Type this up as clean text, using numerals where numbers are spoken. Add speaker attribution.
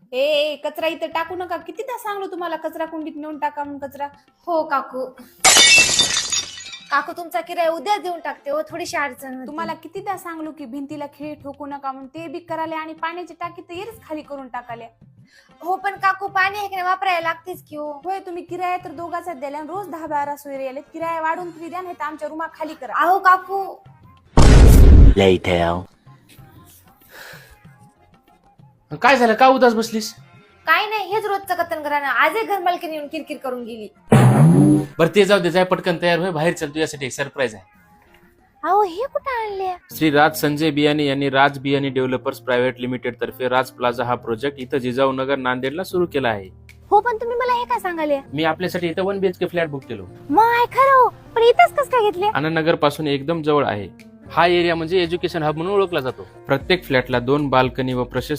Speaker 1: ए कचरा इथं टाकू नका. कितीदा सांगलो तुम्हाला कचरा कुंडीत नेऊन टाका म्हणून कचरा.
Speaker 2: हो काकू. काकू तुमचा किराया उद्या देऊन टाकते हो, थोडीशी अडचण होती.
Speaker 1: तुम्हाला कितीदा सांगलो की भिंतीला खिळे ठोकू नका म्हणून, ते बी कराले आणि पाण्याची टाकी तर येरीच खाली करून टाकाल्या.
Speaker 2: हो पण काकू पाणी आहे की नाही वापरायला लागतेच की हो.
Speaker 1: होय, तुम्ही किराया तर दोघाचा द्याला आणि रोज 10-12 सोयरे आले. किराया वाढून तुम्ही द्या, नाही तर आमच्या रूमा खाली करा.
Speaker 2: अहो काकू.
Speaker 3: Later.
Speaker 4: काय झालं, का उदास बसलीस?
Speaker 2: काय नाही, हेच रोजचं कथन करा ना. आजही घर मालकीने येऊन किरकिर करून गेली.
Speaker 4: बरं ते जाऊ दे, जाय पटकन तयार होय, बाहेर चल, तुझ्यासाठी एक सरप्राईज आहे.
Speaker 2: अहो हे कुठं आणले?
Speaker 4: श्री राज संजय बियाणी यांनी Raj Biyani Developers Private Limited तर्फे राज प्लाझा हा प्रोजेक्ट इथं जिजाऊ नगर नांदेडला सुरू केला आहे.
Speaker 2: हो पण तुम्ही मला हे काय सांगाले?
Speaker 4: मी आपल्यासाठी इथं 1 BHK फ्लॅट बुक केलो.
Speaker 2: माय खरं हो, पण इथंच कसं काय घेतले?
Speaker 4: आनंदनगर पासून एकदम जवळ आहे. हा एरिया म्हणजे एज्युकेशन हब म्हणून ओळखला जातो. प्रत्येक फ्लॅटला 2 बाल्कनी व प्रशस्त